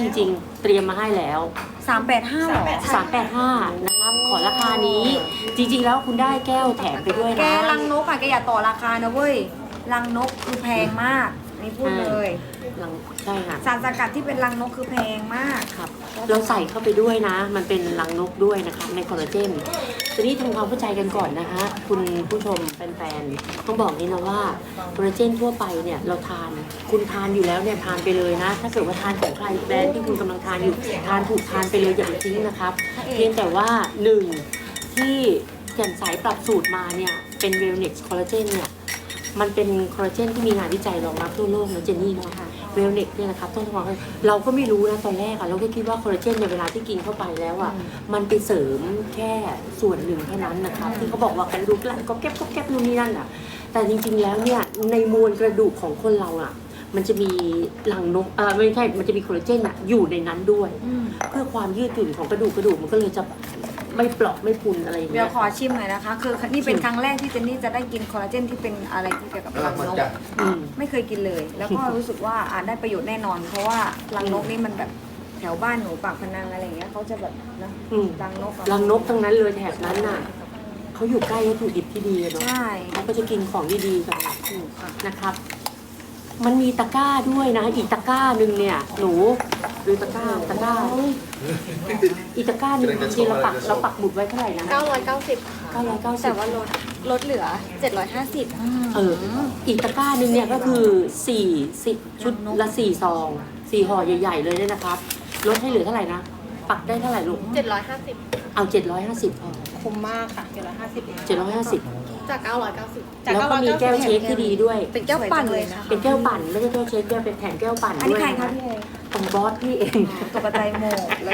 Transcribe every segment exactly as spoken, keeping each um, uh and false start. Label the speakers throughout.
Speaker 1: จริงๆ เตรียมมาให้แล้ว
Speaker 2: สามแปดห้าหรอ
Speaker 1: สามแปดห้านะครับขอราคานี้จริงๆแล้วคุณได้แก้วแถมไปด้วยนะ
Speaker 2: แกรังนกอ่ะแกอย่าต่อราคานะเว้ยรังนกคือแพงมากนี่พูดเลย
Speaker 1: รังใช่ค่ะ
Speaker 2: สารสกัดที่เป็นรังนกคือแพงมาก
Speaker 1: ครับเราใส่เข้าไปด้วยนะ มันเป็นรังนกด้วยนะคะในคอลลาเจนทีนี้ทำความเข้าใจกันก่อนนะคะคุณผู้ชมแฟนๆต้องบอกนี้นะว่าคอลลาเจนทั่วไปเนี่ยเราทานคุณทานอยู่แล้วเนี่ยทานไปเลยนะ ถ้าเกิดว่าทานของใครแบรนด์ที่คุณกำลังทานอยู่ทานถูกทานไปเลยอย่าไปทิ้งนะครับเพียงแต่ว่าหนึ่งที่แจ่มใสปรับสูตรมาเนี่ยเป็นเวลเน็กซ์คอลลาเจนเนี่ยมันเป็นคอลลาเจนที่มีงานวิจัยรองรับทั่วโลกนะเจนนี่เนาะเวลเน็กเนี่ยนะครับต้องบอกว่าเราก็ไม่รู้นะตอนแรกอะเราก็คิดว่าคอลลาเจนในเวลาที่กินเข้าไปแล้วอะมันไปเสริมแค่ส่วนหนึ่งเท่านั้นนะครับที่เขาบอกว่ากระดูกแล้วก็แก๊บก็แก๊บนู่นนี่นั่นอะแต่จริงๆแล้วเนี่ยในมวลกระดูกของคนเราอะมันจะมีหลังนกเออไม่ใช่มันจะมีคอลลาเจนอะอยู่ในนั้นด้วยเพื่อความยืดหยุ่นของกระดูกกระดูกมันก็เลยจะไม่เปราะไม่พุนอะไรอย่าง
Speaker 2: เดี๋
Speaker 1: เงี้
Speaker 2: ยวย ขอชิมหน่อยนะคะ คือนี่เป็นครั้งแรกที่เจนนี่จะได้กินคอลลาเจนที่เป็นอะไรที่เกี่ยวกับรังนก
Speaker 1: อืม
Speaker 2: ไม่เคยกินเลย แล้วก็รู้สึกว่าอาจได้ประโยชน์แน่นอน เพราะว่ารังนกนี่มันแบบแถวบ้านหนูปากพนังอะไรอย่างเงี้ยเขาจะแบบนะ
Speaker 1: อืม
Speaker 2: รังนกอะ
Speaker 1: รังนกทั้งนั้นเลยแถบนั้นน่ะเขาอยู่ใกล้วัตถุดิบที่ดีอะเนาะ
Speaker 2: ใช่
Speaker 1: เขาก็จะกินของดีๆกัน
Speaker 2: ถูกค่ะ
Speaker 1: นะครับ มันมีตะกร้าด้วยนะ อีกตะกร้าหนึ่งเนี่ย หนูดูตะกร้าตะกร้า อีกตะกร้าหนึ่งจริงๆเราปักเราปักหมุดไว้เท่าไหร่นะ
Speaker 3: เก้าร้อยเก้าสิบค่ะ
Speaker 1: เก้าร้อยเก้าสิบ
Speaker 3: แต่ว่าลดลดเหลือเจ็ดร้อยห้าสิบ
Speaker 1: เออ อีกตะกร้าหนึ่งเนี่ยก็คือสี่สิบชุดละสี่ซองสี่ห่อใหญ่ๆเลยเนี่ยนะครับ ลดให้เหลือเท่าไหร่นะ ปักได้เท่าไหร่ลูก
Speaker 3: เจ็ดร้อยห้าสิบ
Speaker 1: เอาเจ็ดร้อยห้าสิบพอ
Speaker 3: คุ้มมากค่ะเจ็ดร้อยห้าสิบ
Speaker 1: เจ็ดร้อยห้าสิบ
Speaker 3: จากเก้าร้อยเก้าสิบ
Speaker 1: แล้วก็มีแก้วเช็คที่ดีด้วย
Speaker 2: เป็นแก้วปั่นเลยค่ะ
Speaker 1: เป็นแก้วปั่นไม่ใช่แก้วเช็คแก้วเป็นแถมแก้วปั่น
Speaker 2: อัน
Speaker 1: ด้
Speaker 2: นี้
Speaker 1: วย
Speaker 2: ใคร
Speaker 1: นะ
Speaker 2: คะ
Speaker 1: คะ
Speaker 2: พี่เอ
Speaker 1: ของบอสพี่เอง
Speaker 2: ตกใจหมดเลย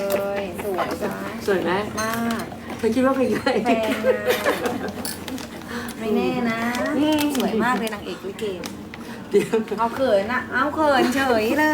Speaker 2: สวยจ้า
Speaker 1: สวยไหม
Speaker 2: มาก
Speaker 1: เธอคิดว่าเป็นยังไง
Speaker 2: แพงนะไม่แน่นะ สวยมากเลยนางเอกลิเก
Speaker 1: เดี๋ยว
Speaker 2: เอาเขินอะเอาเขินเฉยเลย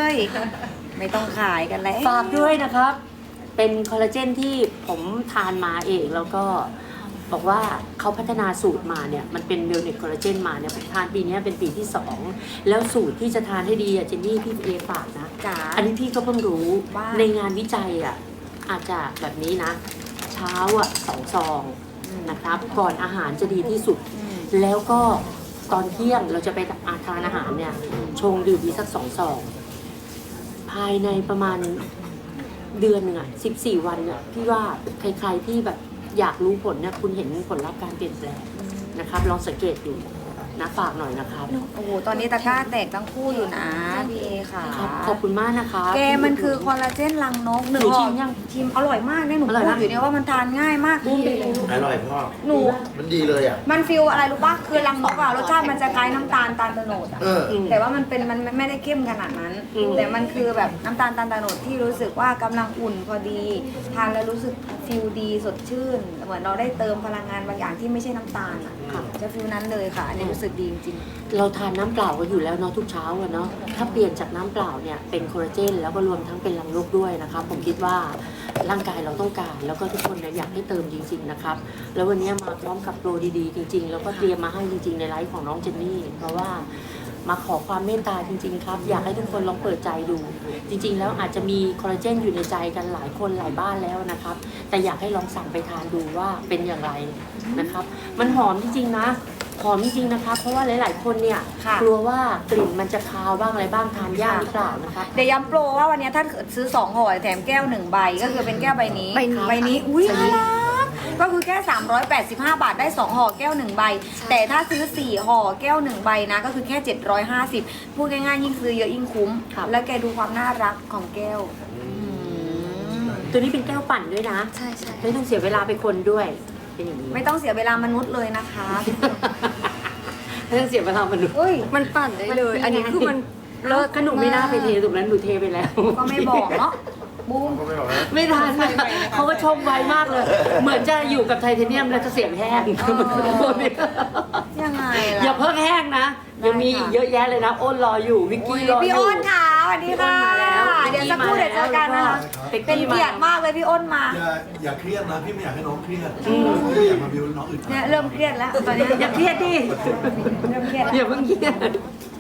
Speaker 2: ไม่ต้องขายกันแล้ว
Speaker 1: ฝากด้วยนะครับ เป็นคอลลาเจนที่ผมทานมาเองแล้วก็บอกว่าเขาพัฒนาสูตรมาเนี่ยมันเป็นเวลเนสคอลลาเจนมาเนี่ยผมทานปีนี้เป็นปีที่สองแล้วสูตรที่จะทานให้ดีอะเจนนี่พี่เอฝากนะ
Speaker 2: จ๋า
Speaker 1: อันนี้พี่ก็เพิ่งรู้
Speaker 2: ว่า
Speaker 1: ในงานวิจัยอ่ะอาจจะแบบนี้นะ เช้าอ่ะสองซองนะครับ ก่อนอาหารจะดีที่สุด
Speaker 2: อืม
Speaker 1: แล้วก็ตอนเที่ยงเราจะไปอาทานอาหารเนี่ย ชงดื่มดีสักสองซองภายในประมาณเดือนหนึ่งอ่ะสิบสี่วันเนี่ยพี่ว่าใครๆที่แบบอยากรู้ผลเนี่ยคุณเห็นผลลัพธ์การเปลี่ยนแปลงนะครับ ลองสังเกตดูนะฝากหน่อยนะครับ
Speaker 2: โอ้โห ตอนนี้ตะกร้าแตกทั้งคู่อยู่นะพี่เอค่ะ
Speaker 1: ครับขอบคุณมากนะครับ
Speaker 2: แกมันคือคอลลาเจนรังนกหนึ่ง
Speaker 1: หนู
Speaker 2: ห่
Speaker 1: ชิ
Speaker 2: อ
Speaker 1: มยัง
Speaker 2: ชิมอร่อยมากเนี่ยหนู
Speaker 1: อร่อย
Speaker 2: พู
Speaker 1: นะ
Speaker 2: ดอยู่เนี่ยว่ามันทานง่ายมาก
Speaker 4: อร่อยพ่อ
Speaker 2: หนู
Speaker 4: มันดีเลยอ่ะ
Speaker 2: มันฟิลอะไรรู้ปะคือรังนกอะรสชาติมันจะคล้ายน้ำตาลตาลตะโนดอะ
Speaker 4: เออ
Speaker 1: อืม
Speaker 2: แต่ว่ามันเป็นมันไม่ได้เข้มขนาดนั้น
Speaker 1: อืม
Speaker 2: แต่มันคือแบบน้ำตาลตาลตะโนดที่รู้สึกว่ากำลังอุ่นพอดีทานแล้วรู้สึกฟิลดีสดชื่น เหมือนเราได้เติมพลังงานบางอย่างที่ไม่ใช่น้ำตาลอะ
Speaker 1: ค่ะ
Speaker 2: จะฟิลนั้นเลยค่ะ อันนี้รู้สึกดีจริง
Speaker 1: เราทานน้ำเปล่ากันอยู่แล้วเนาะทุกเช้าอะเนาะถ้าเปลี่ยนจากน้ำเปล่าเนี่ยเป็นคอลลาเจนแล้วก็รวมทั้งเป็นรังนกด้วยนะครับผมคิดว่าร่างกายเราต้องการ แล้วก็ทุกคนเนี่ยอยากให้เติมจริงๆนะครับแล้ววันนี้มาพร้อมกับโปรดีๆจริงๆ แล้วก็เตรียมมาให้จริงๆในไลฟ์ของน้องเจนนี่เพราะว่ามาขอความเมตตาจริงๆครับอยากให้ทุกคนลองเปิดใจดู จริงๆ แล้วอาจจะมีคอลลาเจนอยู่ในใจกันหลายคนหลายบ้านแล้วนะครับแต่อยากให้ลองสั่งไปทานดูว่าเป็นอย่างไรนะครับมันหอมจริงๆนะหอมจริงๆนะครับเพราะว่าหลายๆคนเนี่ย
Speaker 2: ค่ะ
Speaker 1: กลัวว่ากลิ่นมันจะคาวบ้างอะไรบ้างทานยากหรือเปล่านะครับ
Speaker 2: ๆ เดี๋ยวย้ำโปรว่าวันนี้ถ้าซื้อสองห่อแถมแก้วหนึ่งใบก็คือเป็นแก้วใบนี้
Speaker 1: ใบนี้
Speaker 2: ใบนี้อุ้ยน่ารักก็คือแค่สามร้อยแปดสิบห้าบาทได้สองห่อแก้วหนึ่งใบ แต่ถ้าซื้อสี่ห่อแก้วหนึ่งใบนะก็คือแค่เจ็ดร้อยห้าสิบพูดง่ายๆยิ่งซื้อเยอะยิ่งคุ้ม
Speaker 1: ครับ
Speaker 2: แล้วแกดูความน่ารักของแก้ว
Speaker 1: ตัวนี้เป็นแก้วปั่นด้วยนะ
Speaker 3: ใช่ใช่
Speaker 1: ไม่ต้องเสียเวลาไปคนด้วยเป็นอย่างนี้
Speaker 2: ไม่ต้องเสียเวลามนุษย์เลยนะคะ
Speaker 1: ไม่ต้องเสียเวลามนุษย์
Speaker 2: เฮ้ย
Speaker 3: มันปั่นได้เลย อันนี้คือมัน
Speaker 1: เลิกขนมไม่น่าไปเทถูกนั้นหนูเทไปแล้ว
Speaker 2: ก็ไม่บอกเนาะบูม
Speaker 4: ก็ไม่บอกนะ
Speaker 1: ไม่ทันเขาก็ชมไวมากเลย เหมือนจะอยู่กับไทเทเนียมแล้วจะเสียงแห้ง
Speaker 2: ยังไง
Speaker 1: อย่า
Speaker 2: ล่ะ
Speaker 1: เพิ่งแห้งนะยังมี
Speaker 2: ได้ค่ะ
Speaker 1: อีกเยอะแยะเลยนะอ้นรออยู่วิกกี้รออยู่
Speaker 2: พี่อ้นค่ะสวัสดีค่ะ
Speaker 1: พี่อ้นมาแล้ว
Speaker 2: เดี๋ยวสักครู่เดี๋ยวเจอกันนะคะ
Speaker 1: เป็ก
Speaker 2: เป็น
Speaker 1: กี้
Speaker 2: เกียรติมากเลยพี่อ้นมา
Speaker 5: อย่าอย่าเครียดนะพี่ไม่อยากให้น้องเครียดพี่อยากมาบิวน้องอึดอัด
Speaker 2: เนี่ยเริ่มเครียดแล้วตอนนี้
Speaker 1: อย่าเครียดดิ
Speaker 2: เริ่มเครียดแล้ว
Speaker 1: อย่าเพิ่งเครียด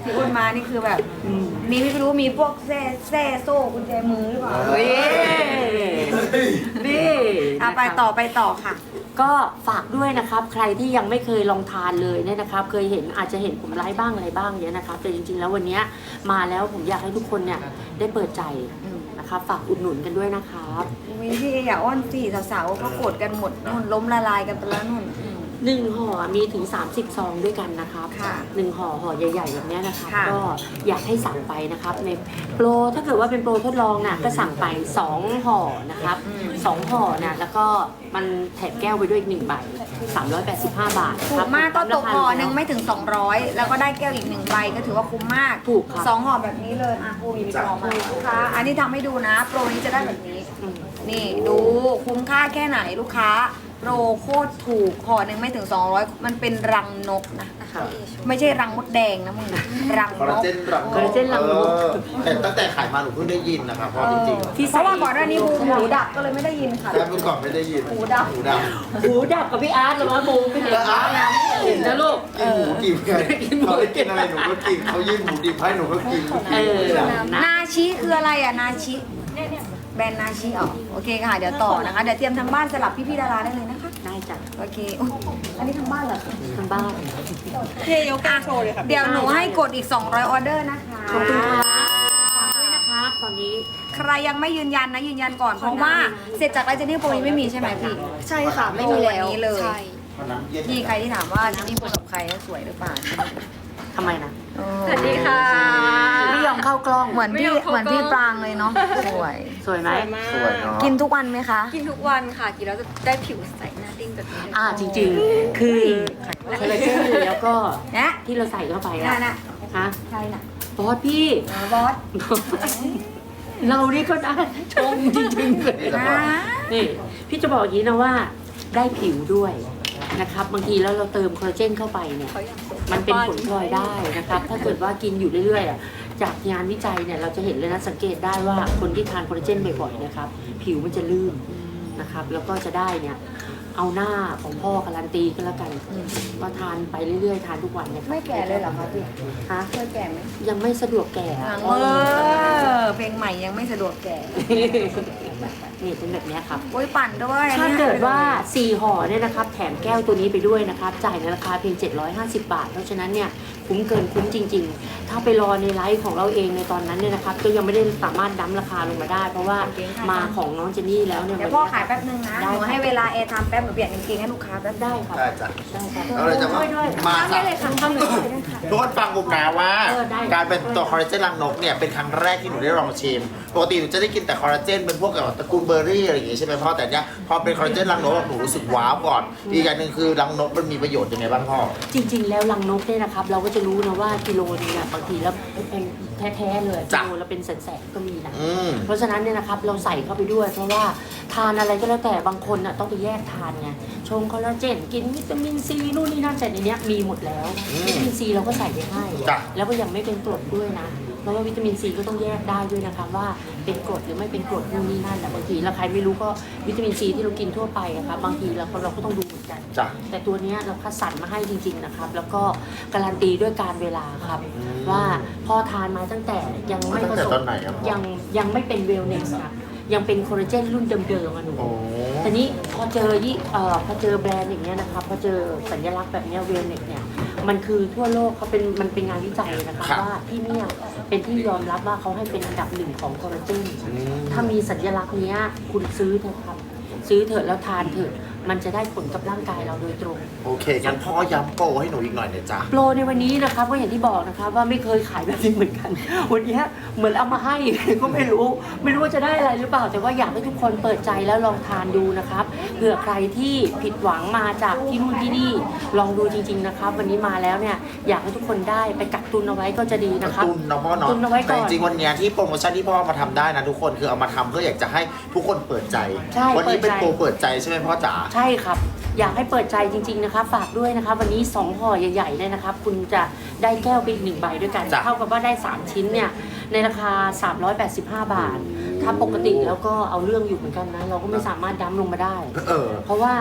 Speaker 2: พี่อ้วนมานี่คือแบบ
Speaker 1: อืม
Speaker 2: มีไม่รู้มีพวกแซ่แซ่โซ่กุญแจมือหรือเปล่า
Speaker 1: เฮ้ยนี่
Speaker 2: อ่ะไป
Speaker 1: นะครับ
Speaker 2: ต่อไปต่อค่ะ
Speaker 1: ก็ฝากด้วยนะครับ ใครที่ยังไม่เคยลองทานเลยเนี่ยนะครับ เคยเห็นอาจจะเห็นผมไลฟ์บ้างอะไรบ้างเนี้ยนะครับ แต่จริงๆแล้ววันเนี้ยมาแล้วผมอยากให้ทุกคนเนี่ยได้เปิดใจนะครับ ฝากอุดหนุนกันด้วยนะครับ
Speaker 2: มีพี่อย่าอ้อนสิสาวๆก็กดกันหมดนุ่นล้มละลายกันไปแล้วนุ่น
Speaker 1: หนึ่งห่อมีถึง สามสิบ ซองด้วยกันนะครับ
Speaker 2: ค่ะ
Speaker 1: หนึ่งห่อห่อใหญ่ๆแบบเนี้ยนะครับ
Speaker 2: ค่ะ
Speaker 1: ก็อยากให้สั่งไปนะครับในโปรถ้าเกิดว่าเป็นโปรทดลองน่ะก็สั่งไปสองห่อนะครับสองห่อนะแล้วก็มันแถมแก้วไปด้วยอีกหนึ่งใบสามร้อยแปดสิบห้าบาท
Speaker 2: ถู
Speaker 1: ครั
Speaker 2: ก
Speaker 1: บ
Speaker 2: มากก็ตกห่อหนึ่ง
Speaker 1: ราคา
Speaker 2: ไม่ถึง สองร้อย แล้วก็ได้แก้วอีกหนึ่งใบก็ถือว่าคุ้มมาก
Speaker 1: ถูกครับ
Speaker 2: สองห่อแบบนี้เลยอ่ะปูมีกล่องมาลูกค้าอันนี้ทำให้ดูนะ โปรนี้จะได้แบบนี้
Speaker 1: อืม
Speaker 2: นี่ดูคุ้มค่าแค่ไหนลูกค้าโปรโคตรถูกห่อหนึ่งไม่ถึง สองร้อย มันเป็นรังนกนะ
Speaker 1: ครับ
Speaker 2: ไม่ใช่รังมดแดงนะมึงรัง
Speaker 4: คอล
Speaker 2: น
Speaker 4: ลาก เจนรัง
Speaker 1: คอลลาเจนรังนก
Speaker 4: เออแต่ตั้งแต่ขายมาหนูเพิ่งได้ยินนะครับเพราะจริง
Speaker 1: ที่
Speaker 2: เพ
Speaker 1: ใส่
Speaker 2: ราะว่าก่อนหน้านี้หูหูดับก็เลยไม่ได้ยินค่ะ
Speaker 4: ๆแต่เมื่อก่อนไม่ได้ยิน
Speaker 2: หูดับ
Speaker 4: หูดับ
Speaker 1: หูดับกับพี่อาร์ตแล้วมั้งบูไม่เห็น
Speaker 4: แล้วอาร์ต
Speaker 1: เห็นนะลูก
Speaker 4: กินหมูดิบไงเขาได้กินอะไรหนูก็กินเขายื่นหมูดิบให้หนูก็กิน
Speaker 1: เออนะ
Speaker 2: นาชิคืออะไรอ่ะนาชิแบรนด์นาชิอ๋อโอเคค่ะเดี๋ยวต่อนะคะเดี๋ยวเตรียมทางบ้านสลับพี่ๆดาราได้เลยนะคะ
Speaker 1: ได้จ้ะ
Speaker 2: โอเคอุ๊ยอันนี้ทางบ้านเหรอคะ
Speaker 1: ทางบ้าน
Speaker 3: เทยกแก้วโชว์เลยค่ะ
Speaker 2: เดี๋ยวหนูให้กดอีก สองร้อย ออเดอร์นะคะ
Speaker 1: ขอบคุณครับฝากด้วยนะครับตอนนี้
Speaker 2: ใครยังไม่ยืนยันนะยืนยันก่อนเพราะว่าเสร็จจากไลฟ์เจนนี่โปรนี้ไม่มีใช่ไหมพี่
Speaker 3: ใช่ค่ะ ไม่มีแล้ว
Speaker 2: วันนี้เลย
Speaker 3: ใช่
Speaker 4: วันนั้นเย็น
Speaker 2: พี่ใครที่ถามว่าเจนนี่โปรกับใครแล้วสวยหรือเปล่า
Speaker 1: ทำไมนะ
Speaker 2: เออ
Speaker 3: สวัสดีค่ะ
Speaker 1: ไม่ยอมเข้ากล้อง
Speaker 2: เหมือนพี่
Speaker 3: ไม่ยอมเข้ากล้อง
Speaker 2: เหมือนพี่ปรางเลยเนาะสวย
Speaker 1: สวยไหม
Speaker 3: สวยมาก
Speaker 4: สวยเนาะ
Speaker 2: กินทุกวันไหมคะ
Speaker 3: กินทุกวันค่ะ กินแล้วจะได้ผิวใสหน้าดิ้งแบบนี้เลย
Speaker 1: อ่าจริงๆ คือคอลลาเจนแล้วก็
Speaker 2: นะ
Speaker 1: ที่เราใส่เข้าไป
Speaker 2: น่ะ
Speaker 1: อะ
Speaker 2: น่ะ
Speaker 1: ฮะ
Speaker 2: ใช่น่ะ
Speaker 1: บอสพี่
Speaker 2: อ๋อบอส
Speaker 1: เรานี่ก็ได้ชมจริงๆเลย
Speaker 2: นะ
Speaker 1: นี่พี่จะบอกอย่างนี้นะว่าได้ผิวด้วยนะครับบางทีแล้วเราเติมคอลลาเจนเข้าไปเนี่ย
Speaker 3: เขาอยากสวย
Speaker 1: มันเป็นผลพลอยได้นะครับ ถ้าเกิดว่ากินอยู่เรื่อยๆอ่ะจากงานวิจัยเนี่ยเราจะเห็นเลยนะสังเกตได้ว่าคนที่ทานคอลลาเจนบ่อยๆนะครับ ผิวมันจะลื่นนะครับ แล้วก็จะได้เนี่ยเอาหน้าของพ่อการันตีก็แล้วกันว่าทานไปเรื่อยๆ ทานทุกวันเนี่ย
Speaker 2: ไม่แก่เลยเหรอคะพี่
Speaker 1: ฮะ
Speaker 2: เคยแก่ไหม
Speaker 1: ยังไม่สะดวกแก่
Speaker 2: เออเพลงใหม่ยังไม่สะดวกแก่
Speaker 1: นี่เป็นแบบเนี้ยครับ
Speaker 2: โอ้ยปั่นด้วย
Speaker 1: ถ้าเกิดว่าสี่ห่อเนี่ยนะครับแถมแก้วตัวนี้ไปด้วยนะครับจ่ายในราคาเพียงเจ็ดร้อยห้าสิบบาท เพราะฉะนั้นเนี่ยคุ้มเกินคุ้มจริง ๆ ถ้าไปรอในไลฟ์ของเราเองในตอนนั้นเนี่ยนะครับก็ยังไม่ได้สามารถดั้มราคาลงมาได้ เพราะว่ามาของน้องเจนนี่แล้วเนี่ย
Speaker 2: เดี๋ยว
Speaker 1: วัน
Speaker 2: พ่อ
Speaker 1: นี้
Speaker 2: ขายแป๊บนึงนะหนูให้เวลาเอทำแป๊บหนูเปลี่ยนกางเกงให้ลูกค้าแป๊บ
Speaker 1: ได้ครับ
Speaker 4: ได้จ้ะ
Speaker 1: ได้ครับ
Speaker 4: เราเลยจะมา
Speaker 1: ด้วยด้วย
Speaker 4: มา
Speaker 2: ทำได้เลยค่ะทำเลยค่ะ
Speaker 4: ทุกคนฟังบุมนะว่า
Speaker 1: เออได้
Speaker 4: การเป็นตัวคอลลาเจนรังนกเนี่ยเป็นครั้งแรกที่หนูได้ลองชิมปกติหนูจะได้กินแต่คอลลาเจนเป็นพวกแบบตระกูลเบอร์รี่อะไรอย่างงี้ใช่ไหมพ่อแต่เนี้ยพอเป็นคอลลาเจนรังนกหนูรู้สึกว้าวก่อนอีกอย่างหนึ่งคือรังนกมันมีประโยชน์ยังไงบ้างพ่อ
Speaker 1: จริง ๆ แล้วลังนกเนี่ยนะครับเราก็จะรู้นะว่ากิโลนึงเนี่ยบางทีแล้วเป็นแท้ๆเลยกิ
Speaker 4: จ้ะ
Speaker 1: โลละเป็นแสนๆก็มีนะ
Speaker 4: อืม
Speaker 1: เพราะฉะนั้นเนี่ยนะครับเราใส่เข้าไปด้วย เพราะว่าทานอะไรก็แล้วแต่บางคนน่ะต้องไปแยกทานไงชงคอลลาเจนกินวิตามินซีนู่นนี่นั่นแต่ในเนี้ยมีหมดแล้ว
Speaker 4: อืม
Speaker 1: วิตามินซีเราก็ใส่ไปให้
Speaker 4: จ้ะ
Speaker 1: แล้วก็ยังไม่เป็นกรดด้วยนะเพราะว่าวิตามินซีก็ต้องแยกได้ด้วยนะคะว่าเป็นกรดหรือไม่เป็นกรดนู่นนี่นั่นแต่บางทีเราใครไม่รู้ก็วิตามินซีที่เรากินทั่วไปอะครับบางทีเราก็เราก็ต้องดูเหมือนกัน
Speaker 4: จ้ะ
Speaker 1: แต่ตัวเนี้ยเราคัดสรรมาให้จริง ๆนะครับ แล้วก็การันตีด้วยการเวลาครับ
Speaker 4: อืม
Speaker 1: ว่าพอทานมาตั้งแต่ยังไม่
Speaker 4: ตั้
Speaker 1: ผ
Speaker 4: งแต่
Speaker 1: ส
Speaker 4: ต
Speaker 1: ม
Speaker 4: อนไหนอะพ่อ
Speaker 1: ยังยังไม่เป็นเวลเนสนะยังเป็นคอลลาเจนรุ่นเดิมๆอะหนู
Speaker 4: โอ้
Speaker 1: แต่นี้พอเจอยี่เอ่อพอเจอแบรนด์อย่างเงี้ยนะครับพอเจอสัญลักษณ์แบบเนี้ยเวลเนสเนี่ยมันคือทั่วโลกเขาเป็นมันเป็นงานวิจัยนะคะว่าที่เนี่ยเป็นที่ยอมรับว่าเขาให้เป็นอันดับหนึ่งของคอลลาเจน
Speaker 4: อืม
Speaker 1: ถ้ามีสัญลักษณ์เนี้ยคุณซื้อเถอะครับซื้อเถอะแล้วทานเถอะมันจะได้ผลกับร่างกายเราโดยตรง
Speaker 4: โอเคงั้นพ่อย้ำโปรให้หนูอีกหน่อยเนี่ยจ้ะ
Speaker 1: โปรในวันนี้นะครับก็อย่างที่บอกนะครับว่าไม่เคยขายแบบนี้เหมือนกัน วันนี้เหมือนเอามาให้ ก็ไม่รู้ ไม่รู้ว่าจะได้อะไรหรือเปล่า แต่ว่าอยากให้ทุกคนเปิดใจแล้วลองทานดูนะครับเผื่อใครที่ผิดหวังมาจากที่นู่นที่นี่ลองดูจริง ๆนะครับ วันนี้มาแล้วเนี่ยอยากให้ทุกคนได้ไปกักตุนเอาไว้ก็จะดีนะครับ
Speaker 4: ตุนเนาะพ่อเนาะ
Speaker 1: ตุนเอาไว้ก่อน
Speaker 4: แต่จริงๆวันเนี้ยที่โปรโมชั่นที่พ่อมาทำได้นะทุกคนคือเอามาทำเพื่ออยากจะให้ทุกคนเปิดใจ
Speaker 1: ใช่
Speaker 4: วันี้เป็น
Speaker 1: เปิดใจ
Speaker 4: โปรเปิดใจใช่ไหมพ่อจ๋า
Speaker 1: ใช่ครับ อยากให้เปิดใจจริง ๆนะครับ ฝากด้วยนะครับวันนี้สองห่อใหญ่ๆเนี่ยนะครับ คุณจะได้แก้วไปอีกหนึ่งใบด้วยกัน
Speaker 4: จ้ะ
Speaker 1: เท่ากับว่าได้สามชิ้นเนี่ยในราคาสามร้อยแปดสิบห้าบาท ถ้าปกติแล้วก็เอาเรื่องอยู่เหมือนกันนะ เราก็ไม่สามารถดั้มลงมาได้
Speaker 4: เออ
Speaker 1: เพราะว่า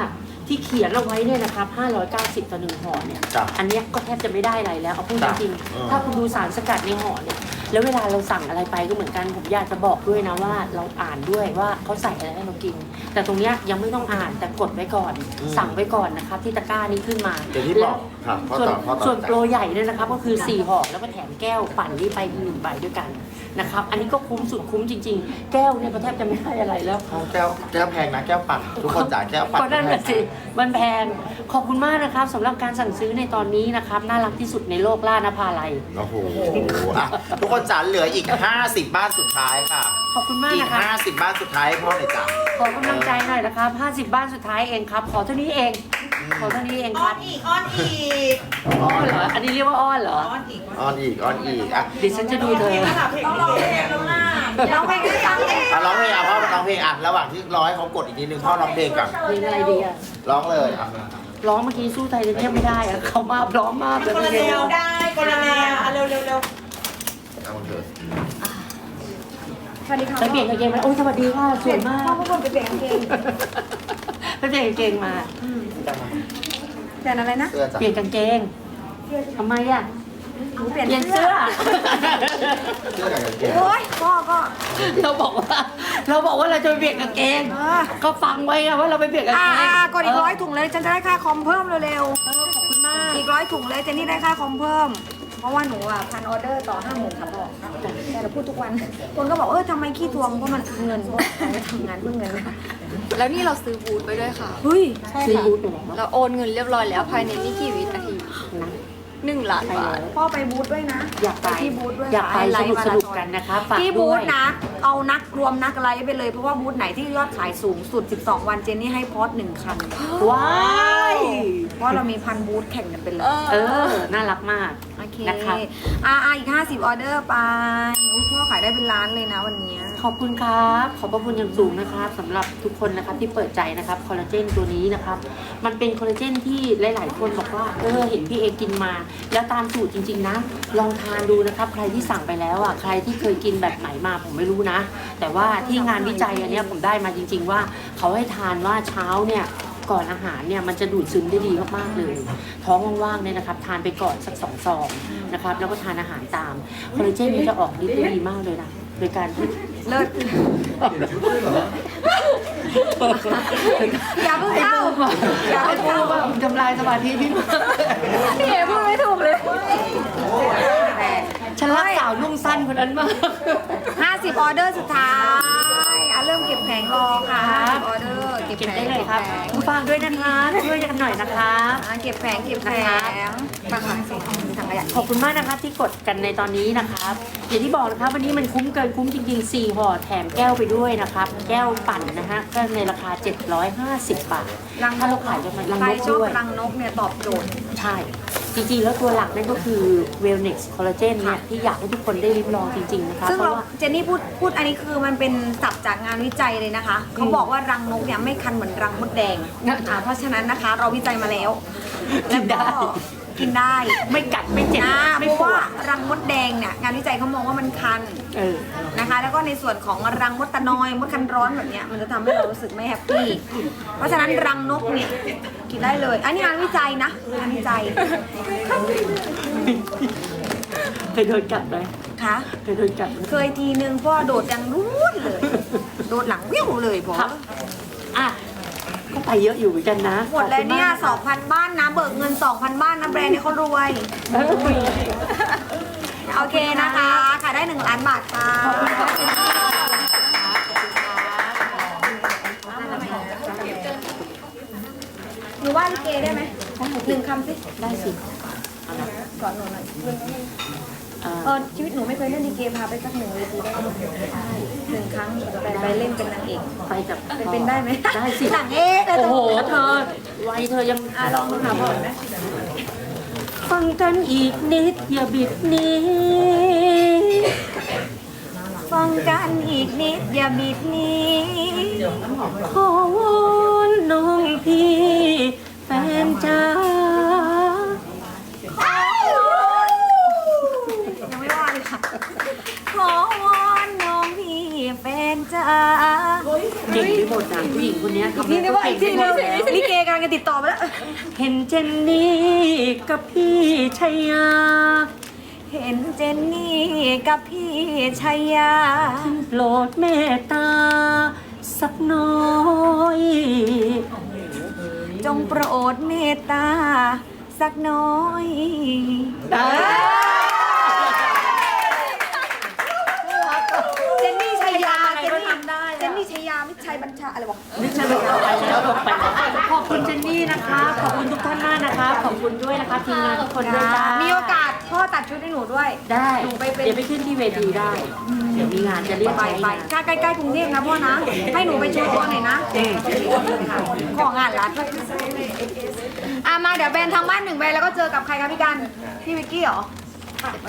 Speaker 1: ที่เขียนเอาไว้เนี่ยนะครับห้าร้อยเก้าสิบต่อหนึ่งห่อเนี่ย
Speaker 4: จ้ะ
Speaker 1: อันเนี้ยก็แทบจะไม่ได้อะไรแล้วเอาพูด
Speaker 4: จ้ะ
Speaker 1: จริง
Speaker 4: เออ
Speaker 1: ๆถ้าคุณดูสารสกัดในห่อเนี่ยแล้วเวลาเราสั่งอะไรไปก็เหมือนกันผมอยากจะบอกด้วยนะว่าเราอ่านด้วยว่าเขาใส่อะไรให้เรากิน แต่ตรงเนี้ยยังไม่ต้องอ่านแต่กดไว้ก่อน สั่งไว้ก่อนนะครับที่ตะกร้านี้ขึ้นมา
Speaker 4: เดี๋ยวที่บอกครับพ่อ
Speaker 1: ส่วน
Speaker 4: ต่อพ่อต่อ
Speaker 1: ส่วนโปรใหญ่เนี่ยนะครับก็คือสี่ห่อแล้วก็แถมแก้วปั่นนี้ไปอีกหนึ่งใบด้วยกันนะครับอันนี้ก็คุ้มสุดคุ้มจริง ๆ แก้วเนี่ยก็แทบจะไม่ได้อะไรแล้ว
Speaker 4: แก้วแก้วแพงนะแก้วปั่นทุกคนจ่ายแก้วปั่น
Speaker 1: ก็นั่นแหละสิมันแพงขอบคุณมากนะครับสำหรับการสั่งซื้อในตอนนี้นะครับน่ารักที่สุดในโลกล่านภาลัย
Speaker 4: โอ้โหอ่ะทุกคนจ๋าเหลืออีก ห้าสิบ บ้านสุดท้ายค่ะ
Speaker 1: ขอบคุณมาก
Speaker 4: อีก
Speaker 1: นะคะ
Speaker 4: ห้าสิบ บ้านสุดท้ายให้พ่อหน่อยจ้ะ
Speaker 1: ขอกำลังใจหน่อยนะครับห้าสิบบ้านสุดท้ายเองครับ ขอเท่านี้เอง ขอเท่านี้เองครับ
Speaker 3: อีกอ้อนอีก
Speaker 1: อ้อนเหรอ อันนี้เรียกว่าอ้อนเหรอ
Speaker 3: อ้อนอีก
Speaker 4: ออนอีกออนอีกอ่ะ
Speaker 1: เดี๋ยวฉันจะดูเธอ
Speaker 3: ต้องร้องเพลงแล้วนะ
Speaker 2: ร้องเพลงด้วยกันเอง
Speaker 4: อ่ะร้องเพลงอ่ะพ่อมาร้องเพลงอ่ะระหว่างที่รอให้เขากดอีกนิดนึงพ่อร้องเพลงก่อน
Speaker 1: เพลงอะไรดีอะ
Speaker 4: ร้องเลยอ่ะ
Speaker 1: ร้องเมื่อกี้สู้ไทยจะเทียบไม่ได้อะเขามาพร้อมมากเลย
Speaker 3: คนละแนวได้คนละแนวอ่ะเร็วเร็วเร็ว
Speaker 4: เอาเถอะ
Speaker 2: สวัสดีค่ะ
Speaker 1: ไปเปลี่ยนกางเกงมาโอ้ยสวัสดีค่ะสวยมาก
Speaker 2: พ่อพวกคนไปเปลี่ยนกางเกง
Speaker 1: ไปเปลี่ยนกางเกงมา
Speaker 2: เปลี่ยนอะไรนะ
Speaker 4: เสื้อจ้ะ
Speaker 1: เปลี่ยนกางเกงทำไมอะ
Speaker 2: หนูเปลี่ยน
Speaker 1: เปลี่ยนเสื้อ
Speaker 4: เสื้อกับกางเกง
Speaker 2: โอ้ยพ่อก็
Speaker 1: เราบอกว่าเราบอกว่าเราจะไปเปลี่ยนกางเกง
Speaker 2: เออ
Speaker 1: ก็ฟังไว้อะว่าเราไปเปลี่ยนกาง
Speaker 2: อ่า
Speaker 1: เกง
Speaker 2: อ่ากดอีกร้อยถุงเลยฉันจะได้ค่าคอมเพิ่มเร็ว
Speaker 1: เออขอบคุณมาก
Speaker 2: ๆอีกร้อยถุงเลยเจนนี่ได้ค่าคอมเพิ่ม เพราะว่าหนูอ่ะพันออเดอร์ต่อห้าหมื่นค่ะพ่อแต่เราพูดทุกวัน คนก็บอกเออทำไมขี้ทวงเพราะมันเงินเพราะเราทำงานเพื่อเงินนะ
Speaker 3: แล้วนี่เราซื้อบูธไปด้วยค่ะ
Speaker 2: เฮ้ย
Speaker 1: ซื้อบูธไปแล้ว
Speaker 3: เราโอนเงินเรียบร้อยแล้วภายในไม่กี่วินาที
Speaker 1: นะ
Speaker 3: หนึ่งล้าน
Speaker 1: ไป
Speaker 3: บาท
Speaker 1: แล้ว
Speaker 2: พ่อไปบูธด้วยนะ
Speaker 1: อยากไป
Speaker 2: ที่บูธด้วย
Speaker 1: อยากไป
Speaker 2: ไล
Speaker 1: ส
Speaker 2: ฟ์
Speaker 1: นุก
Speaker 2: มา
Speaker 1: ส
Speaker 2: รา
Speaker 1: นุก
Speaker 2: ธอน
Speaker 1: กันนะคะฝาก
Speaker 2: ที่บู
Speaker 1: ด้ว
Speaker 2: ธ
Speaker 1: ย
Speaker 2: นะ เอานักรวมนักไลฟ์ไปเลย เพราะว่าบูธไหนที่ยอดขายสูงสุด สิบสอง วันเจนนี่ให้พอสหนึ่งคัน
Speaker 1: ว้าย
Speaker 2: เพราะเรามีพันบูธแข่งกันไปเลย
Speaker 1: เออ น่ารักมาก
Speaker 2: โอเค
Speaker 1: นะครับ
Speaker 2: อ่าอ่าอีกห้าสิบออเดอร์ไปอุ๊ยพ่อขายได้เป็นล้านเลยนะวันเนี้ย
Speaker 1: ขอบคุณครับ ขอบพระคุณอย่างสูงนะครับสำหรับทุกคนนะครับที่เปิดใจนะครับคอลลาเจนตัวนี้นะครับ มันเป็นคอลลาเจนที่หลาย ๆ คนบอกว่าเออเห็นพี่เอกินมา แล้วตามสูตรจริง ๆ นะ ลองทานดูนะครับ ใครที่สั่งไปแล้วอ่ะใครที่เคยกินแบบไหนมาผมไม่รู้นะ แต่ว่าที่งานวิจัยอันเนี้ยผมได้มาจริง ๆ ว่าเขาให้ทานว่าเช้าเนี่ยก่อนอาหารเนี่ยมันจะดูดซึมได้ดีมากๆเลย ท้องว่างๆเนี่ยนะครับทานไปก่อนสักสองซองนะครับแล้วก็ทานอาหารตามคอลลาเจนมันจะออกฤทธิ์ได้ดีมากเลยนะโดยการที่
Speaker 2: เลิศอย่าเพิ่งเข้าอย่า
Speaker 1: ไอ้
Speaker 2: เพิ่ง
Speaker 1: พู
Speaker 2: เข้า
Speaker 1: ว่าทำลายสมาธิพี่มาก
Speaker 2: พี่เอพูดไม่ถูกเลย
Speaker 1: ฉันรักสาวนุ่งสั้นคนนั้นมาก
Speaker 2: ห้าสิบออเดอร์สุดท้ายอ่ะเริ่มเก็บแผงรอค่ะ
Speaker 1: ครับ
Speaker 2: ห้าสิบออเดอร์เก็บ
Speaker 1: เก็บ
Speaker 2: แผง
Speaker 1: ได้เลยครับ
Speaker 2: ก็บแผง
Speaker 1: คุณฟังด้วยนะคะช่วยกันหน่อยนะคะ
Speaker 2: อ่ะเก็บแผงเก็บแผงมาค่ะส่งถังขยะ
Speaker 1: ขอบคุณมากนะครับที่กดกันในตอนนี้นะครับอย่างที่บอกนะครับวันนี้มันคุ้มเกินคุ้มจริงๆสี่ห่อแถมแก้วไปด้วยนะครับ แก้วปั่นนะฮะก็ในราคา เจ็ดร้อยห้าสิบบาท
Speaker 2: รัง
Speaker 1: ถ้าเราขายกันมันรัง
Speaker 2: ใคร
Speaker 1: นก
Speaker 2: ชอบ
Speaker 1: ด้วย
Speaker 2: รังนกเนี่ยตอบโจทย์
Speaker 1: ใช่ จริงๆ แล้วตัวหลักนั่นก็คือ Wellness Collagen เนี่ยที่อยากให้ทุกคนได้ริมลองจริงๆ นะคะ
Speaker 2: ซึ่ง
Speaker 1: เพ
Speaker 2: เรา
Speaker 1: ราะว่า
Speaker 2: เจนนี่พูดพูดอันนี้คือมันเป็นศัพท์จากงานวิจัยเลยนะคะ เขาบอกว่ารังนกเนี่ยไม่คันเหมือนรังมดแดง
Speaker 1: นะ
Speaker 2: อ่าเพราะฉะนั้นนะคะเราวิจัยมาแล้ว
Speaker 1: กินได้
Speaker 2: แล้วก็กินได้
Speaker 1: ไม่กัดไม่เจ็บ
Speaker 2: นะเพ
Speaker 1: ไม่
Speaker 2: ราะ
Speaker 1: ปว
Speaker 2: ว่า
Speaker 1: ด
Speaker 2: รังมดแดงเนี่ยงานวิจัยเขามองว่ามันคัน
Speaker 1: เออ
Speaker 2: นะคะ แล้วก็ในส่วนของรังมดตะนอยมดคันร้อนแบบเนี้ยมันจะทำให้เรารู้สึกไม่แฮปปี้เพราะฉะนั้นรังนกเนี่ยกินได้เลย อันนี้งานวิจัยนะงานวิจัย
Speaker 1: เคยโดนกัดไหม
Speaker 2: ค่ะ
Speaker 1: เคยโดนกัดไหม
Speaker 2: เคยทีนึงพ่อโดดยังรุ่นเลย โดดหลังวิ่วเลยพ่อ
Speaker 1: ครับอ่ะก็ไปเยอะอยู่เหมือนกันนะ
Speaker 2: หมดเลยเนี่ย
Speaker 1: ขอบคุณมาก
Speaker 2: สองพัน บ้านนะเบิกเงิน สองพัน บ้านนะแบรนด์นี้เขารวย
Speaker 1: เออ
Speaker 2: โอเคนะคะขายได้หนึ่งล้านบาทค่ะ
Speaker 1: ขอบคุณครับ
Speaker 2: หนูว่าลิเกได้ไหมหนึ่งคำสิ
Speaker 1: ได้สิเอาละ
Speaker 2: สอนหนูหน่อย
Speaker 1: เอ่อ
Speaker 2: เออชีวิตหนูไม่เคยเล่นลิเกพาไปสักหนึ่งเวทีได้ไหมหนึ่งครั้งไปไปเล่นเป็นนางเอก
Speaker 1: ไปกับ
Speaker 2: เป็นเป็นได้ไหม
Speaker 1: ได้สิ
Speaker 2: หลังเอ๊ะ
Speaker 1: โอ้โห เธอวัยเธอยัง
Speaker 2: อ่ะลองดูค่ะพ่อไหม
Speaker 1: ฟังกันอีกนิด อย่าบิดหนี้
Speaker 2: ฟังกันอีกนิดอย่าบิดหนี้
Speaker 1: ขอวอนน้องพี่ แฟนจ้า
Speaker 2: ยังไม่ว่าเลยค่ะ ขอวอนน้องพี่แฟนจ้า
Speaker 1: เก่งไปหมดอ่ะผู้หญิงคนเนี้ยทำ
Speaker 2: นี่
Speaker 1: ให้
Speaker 2: ได้
Speaker 1: เขา
Speaker 2: ว่าอี
Speaker 1: เก่
Speaker 2: ก
Speaker 1: ง
Speaker 2: ที
Speaker 1: ไปหม
Speaker 2: นึง
Speaker 1: ดแล้ว
Speaker 2: ลิเกกำลังจะติดต่อไปแล้ว
Speaker 1: เห็นเจนนี่กับพี่ชัยยา
Speaker 2: เห็นเจนนี่กับพี่ชัยยา
Speaker 1: โปรดเมตตาสักน้อย
Speaker 2: จงโปรดเมตตาสักน้อย เจนนี่ชัยยา เจนนี่เจนนี่ชัยยาไม่ชัยบัญชาอะไรบอก
Speaker 1: ไม่ใช่ไปแล้วไปแล้วลงไปแล้วขอบคุณเจนนี่นะคะ ขอบคุณทุกท่านมากนะคะ ขอบคุณด้วยนะคะทีมงานทุกคนด้วยจ้า
Speaker 2: มีโอกาสพ่อตัดชุดให้หนูด้วย
Speaker 1: ได้
Speaker 2: หนูไปเป็น
Speaker 1: เดี๋ยวไปขึ้นที่เวทีได้ เดี๋ยวมีงานจะเรียก
Speaker 2: ไป
Speaker 1: ไป
Speaker 2: ไปถ้าใกล้ๆกรุงเทพนะพ่อนะ ให้หนูไปโชว์ตัวหน่อยนะ ของานรัดอ่ะมาเดี๋ยวแบรนด์ทางบ้านหนึ่งใบแล้วก็เจอกับใครคะพี่กัน พี่วิกกี้เหรอ